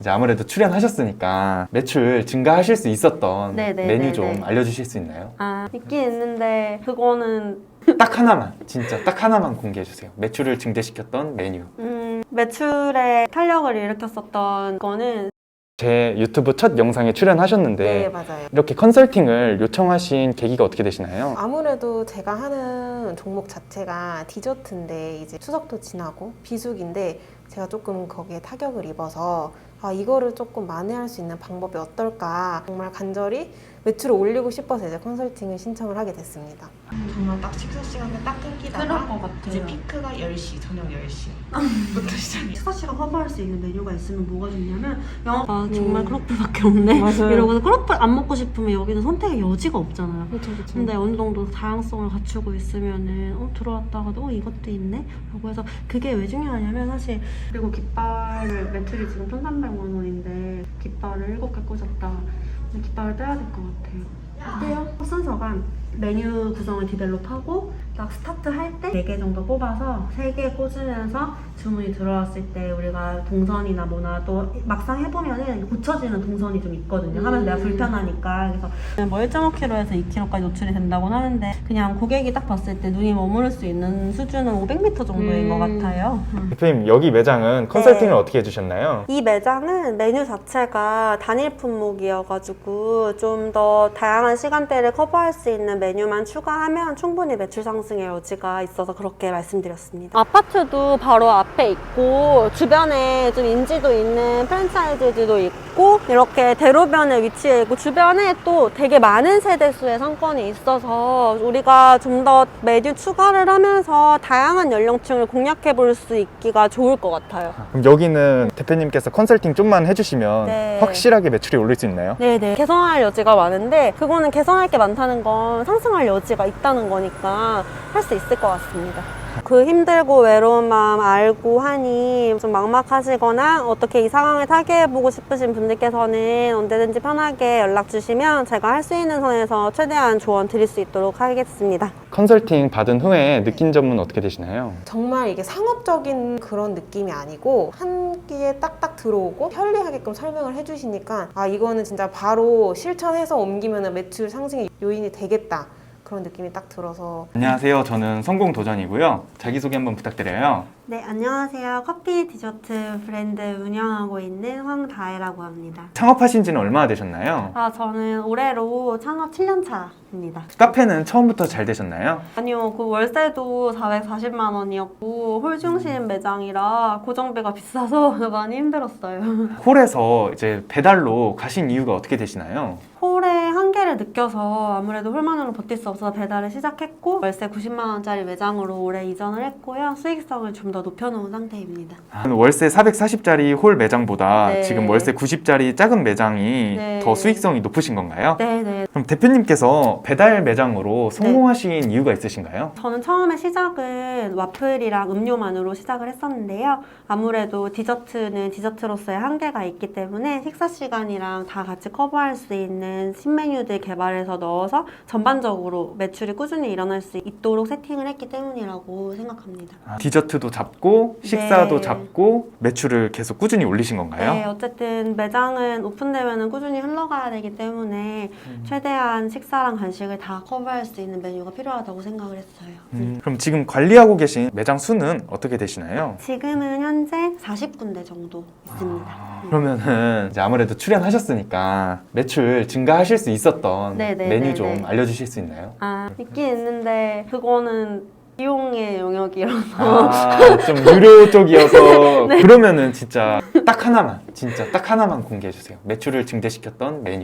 이제 아무래도 출연하셨으니까 매출 증가하실 수 있었던 네네네네. 메뉴 좀 알려주실 수 있나요? 있긴 있는데 그거는 딱 하나만, 진짜 딱 하나만 공개해 주세요. 매출을 증대시켰던 메뉴. 매출에 탄력을 일으켰었던 거는 제 유튜브 첫 영상에 출연하셨는데 네, 맞아요. 이렇게 컨설팅을 요청하신 계기가 어떻게 되시나요? 아무래도 제가 하는 종목 자체가 디저트인데 이제 추석도 지나고 비수기인데 제가 조금 거기에 타격을 입어서 이거를 조금 만회할 수 있는 방법이 어떨까 정말 간절히 매출을 올리고 싶어서 이제 컨설팅을 신청을 하게 됐습니다. 정말 딱 식사 시간에 딱 끊기다가 그럴 것 같아요. 이제 피크가 10시, 저녁 10시부터 시작해요. 식사 시간 커버할 수 있는 메뉴가 있으면 뭐가 좋냐면 정말 크로플밖에 없네 이러고서 크로플 안 먹고 싶으면 여기는 선택의 여지가 없잖아요. 그렇죠. 근데 어느 정도 다양성을 갖추고 있으면은 들어왔다가도 이것도 있네? 라고 해서 그게 왜 중요하냐면 사실 그리고 깃발을 매출이 지금 1,300만 원인데 깃발을 7개 꽂았다. 근데 깃발을 떼야 될 것 같아요. 어때요? 순서가 메뉴 구성을 디벨롭하고 딱 스타트 할 때 4개 정도 뽑아서 3개 꽂으면서 주문이 들어왔을 때 우리가 동선이나 뭐나 또 막상 해보면은 고쳐지는 동선이 좀 있거든요. 하면 내가 불편하니까. 그래서 뭐 1.5kg에서 2kg까지 노출이 된다고 하는데 그냥 고객이 딱 봤을 때 눈이 머무를 수 있는 수준은 500m 정도인 것 같아요. 대표님, 여기 매장은 컨설팅을 어떻게 해주셨나요? 이 매장은 메뉴 자체가 단일 품목이어가지고 좀 더 다양한 시간대를 커버할 수 있는 메뉴만 추가하면 충분히 매출 상승의 여지가 있어서 그렇게 말씀드렸습니다. 아파트도 바로 앞에 있고 주변에 좀 인지도 있는 프랜차이즈들도 있고 이렇게 대로변에 위치해 있고 주변에 또 되게 많은 세대수의 상권이 있어서 우리가 좀 더 메뉴 추가를 하면서 다양한 연령층을 공략해 볼 수 있기가 좋을 것 같아요. 그럼 여기는 대표님께서 컨설팅 좀만 해주시면 네. 확실하게 매출이 오를 수 있나요? 네네. 개선할 여지가 많은데 그거는 개선할 게 많다는 건 상승할 여지가 있다는 거니까 할 수 있을 것 같습니다. 그 힘들고 외로운 마음 알고 하니 좀 막막하시거나 어떻게 이 상황을 타개해보고 싶으신 분들께서는 언제든지 편하게 연락 주시면 제가 할 수 있는 선에서 최대한 조언 드릴 수 있도록 하겠습니다. 컨설팅 받은 후에 느낀 점은 어떻게 되시나요? 정말 이게 상업적인 그런 느낌이 아니고 한 끼에 딱딱 들어오고 편리하게끔 설명을 해주시니까 이거는 진짜 바로 실천해서 옮기면 매출 상승의 요인이 되겠다. 그런 느낌이 딱 들어서. 안녕하세요. 저는 성공도전이고요. 자기소개 한번 부탁드려요. 네, 안녕하세요. 커피 디저트 브랜드 운영하고 있는 황다혜라고 합니다. 창업하신 지는 얼마나 되셨나요? 저는 올해로 창업 7년 차입니다. 카페는 처음부터 잘 되셨나요? 아니요, 그 월세도 440만 원이었고 홀 중심 매장이라 고정비가 비싸서 많이 힘들었어요. 홀에서 이제 배달로 가신 이유가 어떻게 되시나요? 홀의 한계를 느껴서 아무래도 홀만으로 버틸 수 없어서 배달을 시작했고 월세 90만 원짜리 매장으로 올해 이전을 했고요. 수익성을 좀 더 높여놓은 상태입니다. 월세 440짜리 홀 매장보다 네. 지금 월세 90짜리 작은 매장이 네. 더 수익성이 높으신 건가요? 네네. 그럼 대표님께서 배달 매장으로 성공하신 이유가 있으신가요? 저는 처음에 시작은 와플이랑 음료만으로 시작을 했었는데요. 아무래도 디저트는 디저트로서의 한계가 있기 때문에 식사 시간이랑 다 같이 커버할 수 있는 신메뉴들 개발해서 넣어서 전반적으로 매출이 꾸준히 일어날 수 있도록 세팅을 했기 때문이라고 생각합니다. 디저트도 잡고 식사도 네. 잡고 매출을 계속 꾸준히 올리신 건가요? 네, 어쨌든 매장은 오픈되면 꾸준히 흘러가야 되기 때문에 최대한 식사랑 간식을 다 커버할 수 있는 메뉴가 필요하다고 생각을 했어요. 그럼 지금 관리하고 계신 매장 수는 어떻게 되시나요? 지금은 현재 40군데 정도 있습니다. 그러면은 이제 아무래도 출연하셨으니까 매출 증가하실 수 있었던 네네네네. 메뉴 좀 알려주실 수 있나요? 있긴 있는데 그거는 비용의 영역이라서 좀 유료 쪽이어서 네. 그러면은 진짜 딱 하나만 공개해 주세요. 매출을 증대시켰던 메뉴.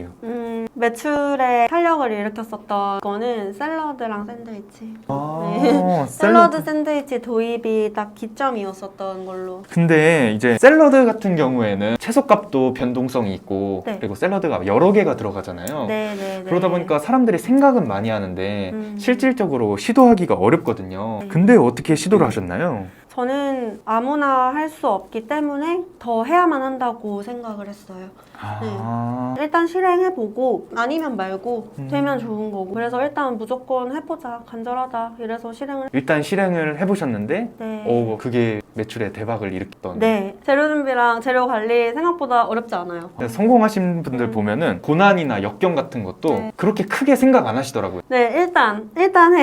매출에 탄력을 일으켰었던 거는 샐러드랑 샌드위치. 네. 샐러드 샌드위치 도입이 딱 기점이었었던 걸로. 근데 이제 샐러드 같은 경우에는 채소값도 변동성이 있고 네. 그리고 샐러드가 여러 개가 들어가잖아요. 네네네. 그러다 보니까 사람들이 생각은 많이 하는데 음. 실질적으로 시도하기가 어렵거든요. 네. 근데 어떻게 시도를 하셨나요? 저는 아무나 할 수 없기 때문에 더 해야만 한다고 생각을 했어요. 일단 실행해보고 아니면 말고 되면 좋은 거고 그래서 일단 무조건 해보자 간절하다 이래서 실행을 일단 실행을 해보셨는데 네. 그게 매출에 대박을 일으켰던. 네 재료 준비랑 재료 관리 생각보다 어렵지 않아요. 성공하신 분들 보면은 고난이나 역경 같은 것도 네. 그렇게 크게 생각 안 하시더라고요. 네 일단 해.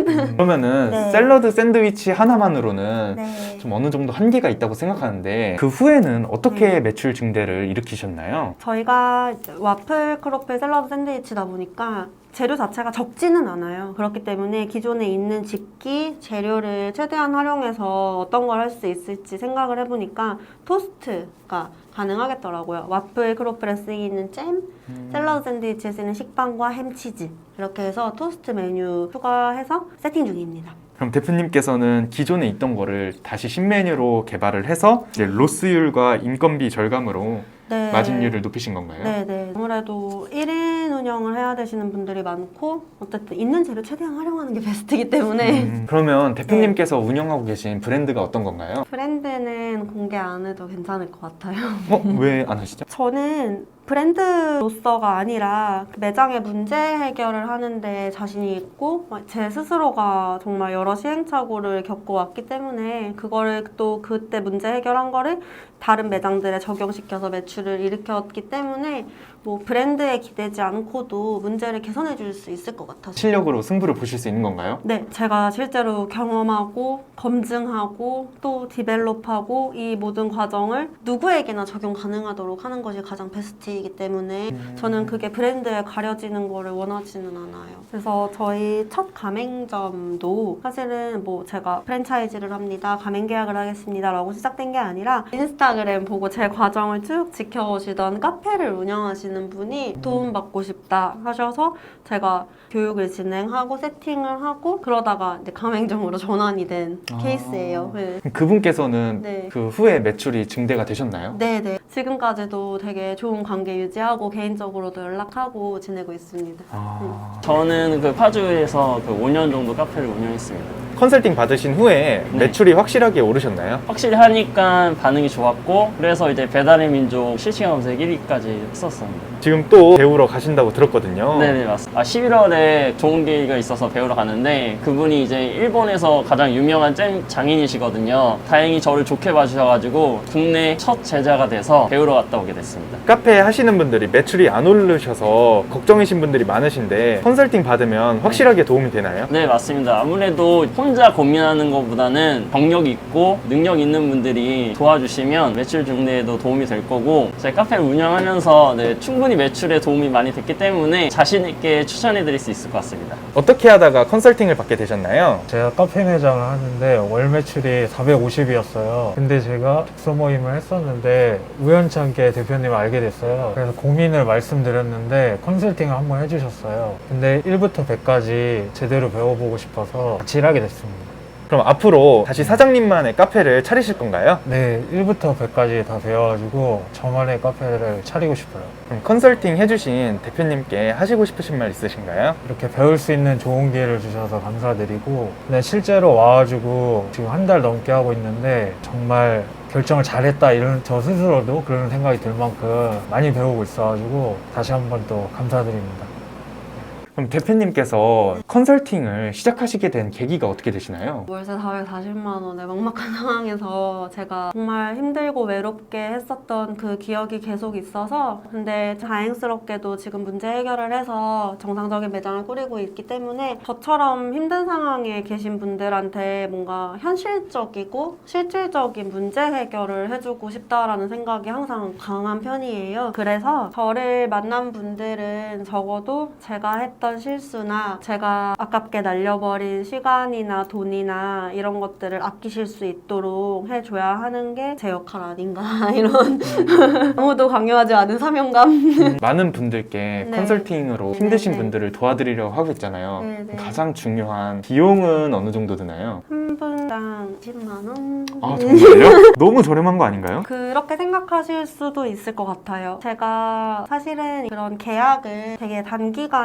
그러면은 네. 샐러드 샌드위치 하나만으로는 네. 좀 어느 정도 한계가 있다고 생각하는데 그 후에는 어떻게 네. 매출 증대를 일으키셨나요? 저희가 이제 와플 크로플 샐러드 샌드위치다 보니까 재료 자체가 적지는 않아요. 그렇기 때문에 기존에 있는 집기 재료를 최대한 활용해서 어떤 걸 할 수 있을지 생각을 해보니까 토스트가 가능하겠더라고요. 와플 크로플에 쓰이는 잼, 샐러드 샌드위치에 쓰이는 식빵과 햄치즈 이렇게 해서 토스트 메뉴 추가해서 세팅 중입니다. 그럼 대표님께서는 기존에 있던 거를 다시 신메뉴로 개발을 해서 이제 로스율과 인건비 절감으로 네. 마진율을 높이신 건가요? 네네. 아무래도 1인 운영을 해야 되시는 분들이 많고 어쨌든 있는 재료 최대한 활용하는 게 베스트이기 때문에 그러면 대표님께서 운영하고 계신 브랜드가 어떤 건가요? 브랜드는 공개 안 해도 괜찮을 것 같아요. 왜 안 하시죠? 저는 브랜드로서가 아니라 그 매장의 문제 해결을 하는데 자신이 있고 제 스스로가 정말 여러 시행착오를 겪어왔기 때문에 그거를 또 그때 문제 해결한 거를 다른 매장들에 적용시켜서 매출을 일으켰기 때문에 뭐 브랜드에 기대지 않고도 문제를 개선해 줄 수 있을 것 같아서 실력으로 승부를 보실 수 있는 건가요? 네, 제가 실제로 경험하고 검증하고 또 디벨롭하고 이 모든 과정을 누구에게나 적용 가능하도록 하는 것이 가장 베스트이기 때문에 저는 그게 브랜드에 가려지는 거를 원하지는 않아요. 그래서 저희 첫 가맹점도 사실은 뭐 제가 프랜차이즈를 합니다, 가맹 계약을 하겠습니다 라고 시작된 게 아니라 인스타그램 보고 제 과정을 쭉 지켜오시던 카페를 운영하시는 분이 도움받고 싶다 하셔서 제가 교육을 진행하고 세팅을 하고 그러다가 이제 가맹점으로 전환이 된 케이스예요. 네. 그분께서는 네. 그 후에 매출이 증대가 되셨나요? 네네. 지금까지도 되게 좋은 관계 유지하고 개인적으로도 연락하고 지내고 있습니다. 저는 그 파주에서 그 5년 정도 카페를 운영했습니다. 컨설팅 받으신 후에 네. 매출이 확실하게 오르셨나요? 확실히 하니까 반응이 좋았고 그래서 이제 배달의 민족 실시간 검색 1위까지 했었습니다. 지금 또 배우러 가신다고 들었거든요. 네네 맞습니다. 11월에 좋은 기회가 있어서 배우러 갔는데 그분이 이제 일본에서 가장 유명한 잼 장인이시거든요. 다행히 저를 좋게 봐주셔가지고 국내 첫 제자가 돼서 배우러 갔다 오게 됐습니다. 카페 하시는 분들이 매출이 안 오르셔서 걱정이신 분들이 많으신데 컨설팅 받으면 확실하게 도움이 되나요? 네 맞습니다. 아무래도 혼자 고민하는 것보다는 경력 있고 능력 있는 분들이 도와주시면 매출 증대에도 도움이 될 거고 저희 카페를 운영하면서 네, 충분히 매출에 도움이 많이 됐기 때문에 자신 있게 추천해 드릴 수 있을 것 같습니다. 어떻게 하다가 컨설팅을 받게 되셨나요? 제가 카페 매장을 하는데 월 매출이 450이었어요. 근데 제가 독서 모임을 했었는데 우연찮게 대표님을 알게 됐어요. 그래서 고민을 말씀드렸는데 컨설팅을 한번 해주셨어요. 근데 1부터 100까지 제대로 배워보고 싶어서 같이 일하게 됐습니다. 그럼 앞으로 다시 사장님만의 카페를 차리실 건가요? 네, 1부터 100까지 다 배워가지고 저만의 카페를 차리고 싶어요. 그럼 컨설팅 해주신 대표님께 하시고 싶으신 말 있으신가요? 이렇게 배울 수 있는 좋은 기회를 주셔서 감사드리고 근데 실제로 와가지고 지금 한 달 넘게 하고 있는데 정말 결정을 잘했다 이런 저 스스로도 그런 생각이 들 만큼 많이 배우고 있어가지고 다시 한 번 또 감사드립니다. 그럼 대표님께서 컨설팅을 시작하시게 된 계기가 어떻게 되시나요? 월세 440만 원의 막막한 상황에서 제가 정말 힘들고 외롭게 했었던 그 기억이 계속 있어서 근데 다행스럽게도 지금 문제 해결을 해서 정상적인 매장을 꾸리고 있기 때문에 저처럼 힘든 상황에 계신 분들한테 뭔가 현실적이고 실질적인 문제 해결을 해주고 싶다라는 생각이 항상 강한 편이에요. 그래서 저를 만난 분들은 적어도 제가 했던 실수나 제가 아깝게 날려버린 시간이나 돈이나 이런 것들을 아끼실 수 있도록 해줘야 하는 게 제 역할 아닌가 이런 아무도 강요하지 않은 사명감. 많은 분들께 네. 컨설팅으로 힘드신 네, 네. 분들을 도와드리려고 하고 있잖아요. 네, 네. 가장 중요한 비용은 어느 정도 드나요? 한 분당 10만 원. 아 정말요? 너무 저렴한 거 아닌가요? 그렇게 생각하실 수도 있을 것 같아요. 제가 사실은 그런 계약을 되게 단기간에 막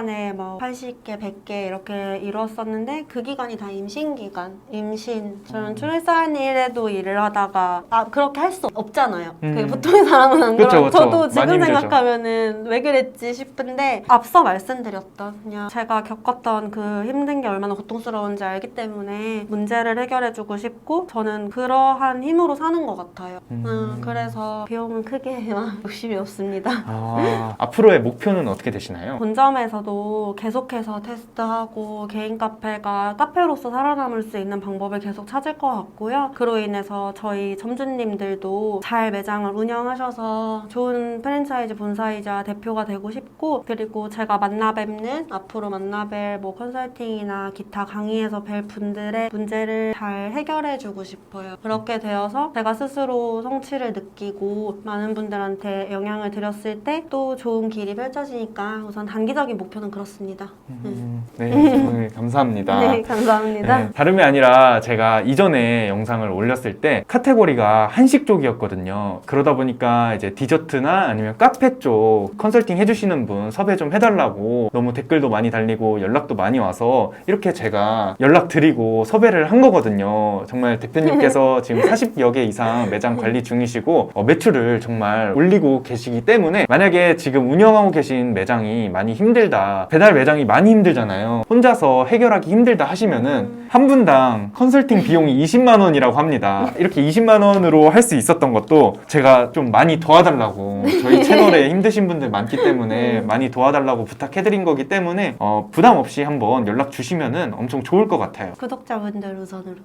뭐 80개, 100개 이렇게 이뤘었는데 그 기간이 다 임신 기간, 임신. 저는 출산일에도 일을 하다가 그렇게 할 수 없잖아요. 그 보통의 사람은 안 그쵸, 그러고 그쵸. 저도 많이 지금 힘들죠. 생각하면은 왜 그랬지 싶은데 앞서 말씀드렸던 그냥 제가 겪었던 그 힘든 게 얼마나 고통스러운지 알기 때문에 문제를 해결해주고 싶고 저는 그러한 힘으로 사는 것 같아요. 그래서 비용은 크게 욕심이 없습니다. 앞으로의 목표는 어떻게 되시나요? 본점에서도 계속해서 테스트하고 개인 카페가 카페로서 살아남을 수 있는 방법을 계속 찾을 것 같고요. 그로 인해서 저희 점주님들도 잘 매장을 운영하셔서 좋은 프랜차이즈 본사이자 대표가 되고 싶고 그리고 제가 앞으로 만나뵐 뭐 컨설팅이나 기타 강의에서 뵐 분들의 문제를 잘 해결해주고 싶어요. 그렇게 되어서 제가 스스로 성취를 느끼고 많은 분들한테 영향을 드렸을 때 또 좋은 길이 펼쳐지니까 우선 단기적인 목표는 그렇습니다. 네, 오늘 감사합니다. 네, 감사합니다. 네, 다름이 아니라 제가 이전에 영상을 올렸을 때 카테고리가 한식 쪽이었거든요. 그러다 보니까 이제 디저트나 아니면 카페 쪽 컨설팅 해주시는 분 섭외 좀 해달라고 너무 댓글도 많이 달리고 연락도 많이 와서 이렇게 제가 연락드리고 섭외를 한 거거든요. 정말 대표님께서 지금 40여 개 이상 매장 관리 중이시고 매출을 정말 올리고 계시기 때문에 만약에 지금 운영하고 계신 매장이 많이 힘들다, 배달 매장이 많이 힘들잖아요. 혼자서 해결하기 힘들다 하시면은 한 분당 컨설팅 비용이 20만 원이라고 합니다. 이렇게 20만 원으로 할 수 있었던 것도 제가 좀 많이 도와달라고 저희 채널에 힘드신 분들 많기 때문에 많이 도와달라고 부탁해드린 거기 때문에 부담 없이 한번 연락 주시면은 엄청 좋을 것 같아요. 구독자분들 우선으로.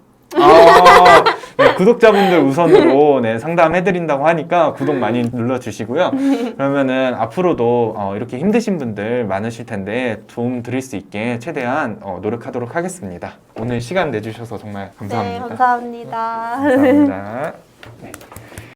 네, 구독자분들 우선으로 네, 상담해드린다고 하니까 구독 많이 눌러주시고요. 그러면은 앞으로도 이렇게 힘드신 분들 많으실 텐데 도움 드릴 수 있게 최대한 노력하도록 하겠습니다. 오늘 시간 내주셔서 정말 감사합니다. 네, 감사합니다. 감사합니다. 네.